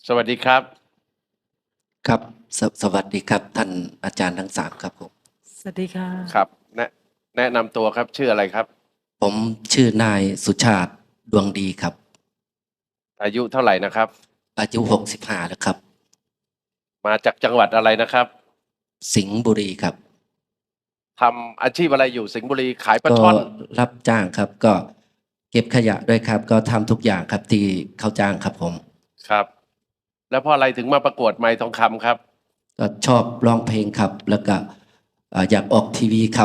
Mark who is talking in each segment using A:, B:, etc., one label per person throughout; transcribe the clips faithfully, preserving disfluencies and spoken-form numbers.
A: สวัสดีครับ
B: ครับสสวัสดีครับท่านอาจารย์ทั้งสามครับผม
C: สวัสดีค่ะ
A: ครับแนะแนะนำตัวครับชื่ออะไรครับ
B: ผมชื่อนายสุชาติดวงดีครับ
A: อายุเท่าไหร่นะครับ
B: อายุหกสิบห้าแล้วครับ
A: มาจากจังหวัดอะไรนะครับ
B: สิงห์บุรีครับ
A: ทำอาชีพอะไรอยู่สิงห์บุรีขายปลา
B: ก็
A: ช่อน
B: รับจ้างครับก็เก็บขยะด้วยครับก็ทำทุกอย่างครับที่เขาจ้างครับผม
A: ครับแล้วเพราะอะไรถึงมาประกวดไมค์ทองคำครับ
B: ก็ชอบร้องเพลงครับแล้วก็อ่าอยากออกทีวีครับ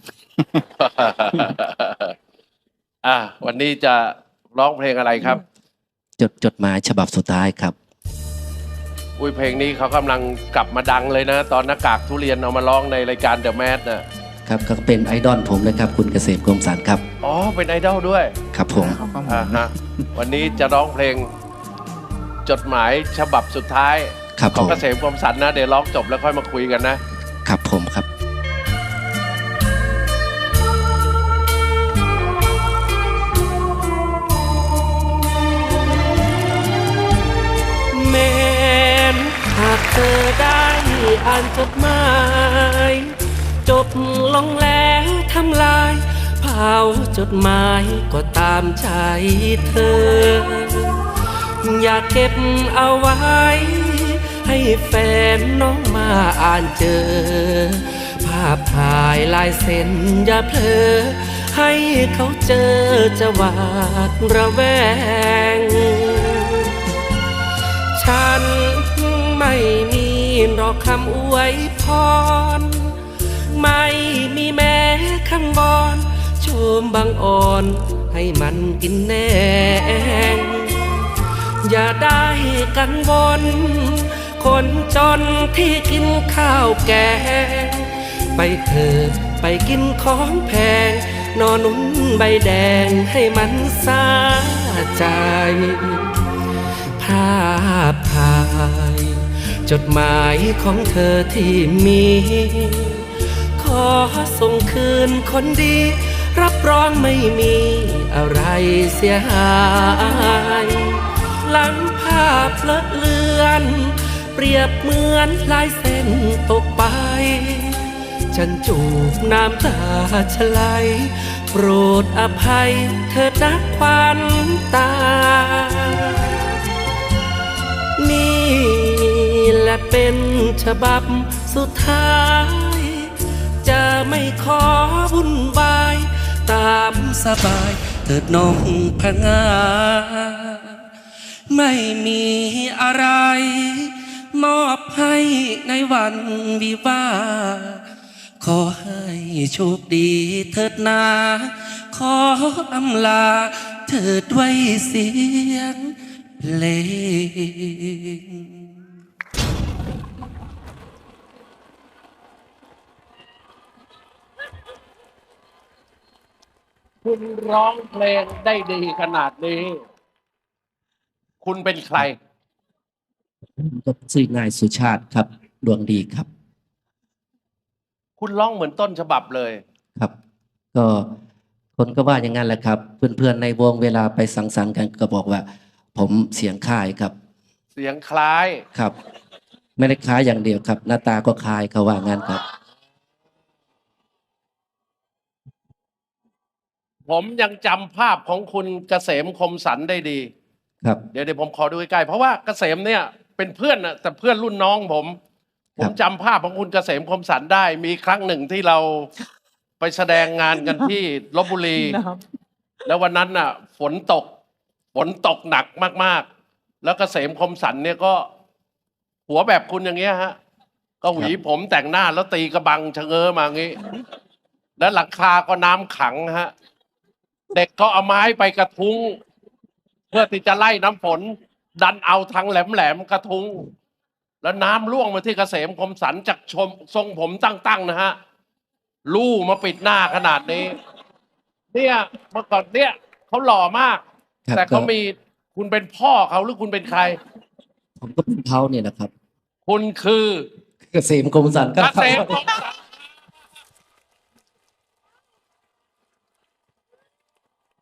A: อ่ะวันนี้จะร้องเพลงอะไรครับ
B: จดจดหมายฉบับสุดท้ายครับ
A: อุ้ยเพลงนี้เขากำลังกลับมาดังเลยนะตอนหน้ากากทุเรียนเอามาร้องในรายการเดอะแมสนะครับ
B: ก็เป็นไอดอลผมเลยครับคุณเกษมคมสันต์ครับ
A: อ๋อเป็นไอดอลด้วย
B: ครับผม
A: อ่าฮะวันนี้จะร้องเพลงจดหมายฉบับสุดท้ายของเกษมคมสันต์นะเดี๋ยวร้องจบแล้วค่อยมาคุยกันนะครับ
B: ผมครับ
C: แม้นหากเธอได้อ่านจดหมายจบลงแล้วทำลายเผาจดหมายก็ตามใจเธออยากเก็บเอาไว้ให้แฟนน้องมาอ่านเจอภาพถ่ายลายเซ็นอย่าเพลอให้เขาเจอจะหวาดระแวงฉันไม่มีหรอกคำอวยพรไม่มีแม้คำบอนโชมบางอ่อนให้มันกินแนงอย่าได้กังวลคนจนที่กินข้าวแกงไปเถิดไปกินของแพงนอนนุ่นใบแดงให้มันสาใจภาพถ่ายจดหมายของเธอที่มีขอส่งคืนคนดีรับรองไม่มีอะไรเสียหายหลังภาพเลอะเลือนเปรียบเหมือนลายเส้นตกไปฉันจูบน้ำตาชะไหลโปรดอภัยเถิดนักควันตานี่แหละเป็นฉบับสุดท้ายจะไม่ขอวุ่นวายตามสบายเถิดน้องพงาไม่มีอะไรมอบให้ในวันวิวาขอให้โชคดีเถิดนาขออำลาเถิดไว้เสียงเพลง
A: คุณร้องเพลงได้ดีขนาดนี้คุณเป็นใคร
B: ก็ชื่อนายสุชาติครับดวงดีครับ
A: คุณร้องเหมือนต้นฉบับเลย
B: ครับก็คนก็ว่าอย่างนั้นแหละครับเพื่อนๆในวงเวลาไปสังสรรค์กันก็บอกว่าผมเสียงคล้ายครับ
A: เสียงคล้าย
B: ครับไม่ได้คล้ายอย่างเดียวครับหน้าตาก็คล้ายเขาว่างั้นครับ
A: ผมยังจำภาพของคุณเกษมคมสันได้ดี
B: ครับ
A: เดี๋ยวเดี๋ยวผมขอดูใกล้ๆเพราะว่าเกษมเนี่ยเป็นเพื่อนนะแต่เพื่อนรุ่นน้องผมผมจำภาพของคุณเกษมคมสันได้มีครั้งหนึ่งที่เราไปแสดงงานกันที่ลพบุรีแล้ววันนั้นน่ะฝนตกฝนตกหนักมากๆแล้วเกษมคมสันเนี่ยก็หัวแบบคุณอย่างเงี้ยฮะก็หวีผมแต่งหน้าแล้วตีกระบังชะเง้อมางี้แล้วหลังคาก็น้ำขังฮะเด็กก็เอาไม้ไปกระทุ้งเพื่อที่จะไล่น้ำฝนดันเอาทางแหลมๆกระทุ้งแล้วน้ำล่วงมาที่เกษมคมสันจากชมทรงผมตั้งๆนะฮะลู่มาปิดหน้าขนาดนี้เนี่ยเมื่อก่อนเนี่ยเขาหล่อมากแต่เขามีคุณเป็นพ่อเขาหรือคุณเป็นใคร
B: ผมก็เป็นเขาเนี่ยนะครับ
A: คุณคือ
B: เกษมคมสันต์ครับ
A: เกษมคมสันต์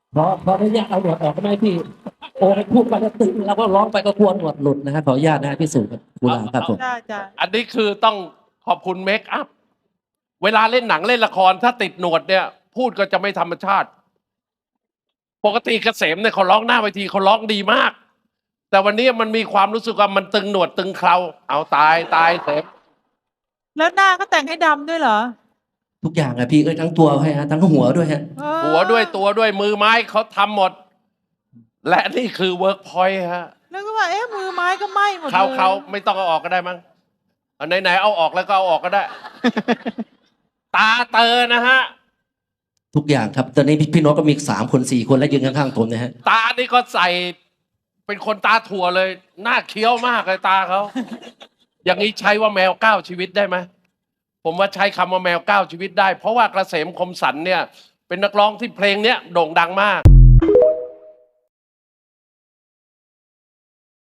B: ขอขออนุญาตเอาหนวดออกได้ไหมพี่โอ้ยพูดไปก็ตึงเราก็ร้องไปก็กลัวหนวดหลุดนะฮะขออนุญาตนะฮะพี่สุครับกุหลาบครับผม
D: จ้าจ้า
A: อันนี้คือต้องขอบคุณเมคอัพ เวลาเล่นหนังเล่นละครถ้าติดหนวดเนี่ย พูดก็จะไม่ธรรมชาติ ปกติเกษมเนี่ยเขาร้องหน้าเวทีเขาร้องดีมาก แต่วันนี้มันมีความรู้สึกว่ามันตึงหนวดตึงเคราเอาตายตายเสม
D: แล้วหน้าก็แต่งให้ดำด้วยเหรอ
B: ทุกอย่างอะพี่เอ้ยทั้งตัวให้ฮะทั้งหัวด้วยฮะ
D: เออ
A: หัวด้วยตัวด้วยมือไม้เขาทำหมด และนี่คือเวิร์กพอยต์ฮะ
D: แล้วก็ว่าเอ๊ะมือไม้ก็ไหม้หมดเลย
A: เขาเขาไม่ต้องเอาออกก็ได้มั้งเอาไหนๆเอาออกแล้วก็เอาออกก็ได้ ตาเตอนะฮะ
B: ทุกอย่างครับตอนนี้พี่พี่โน้ตก็มีสามคนสี่คนแล้วยืนข้างๆผมนะฮะ
A: ตานี่ก็ใส่เป็นคนตาถั่วเลย หน้าเคี้ยวมากเลยตาเขา อย่างนี้ใช้ว่าแมวเก้าชีวิตได้ไหม ผมว่าใช้คำว่าแมวเก้าชีวิตได้ เพราะว่าเกษมคมสันเนี่ย เป็นนักร้องที่เพลงเนี้ยโด่งดังมาก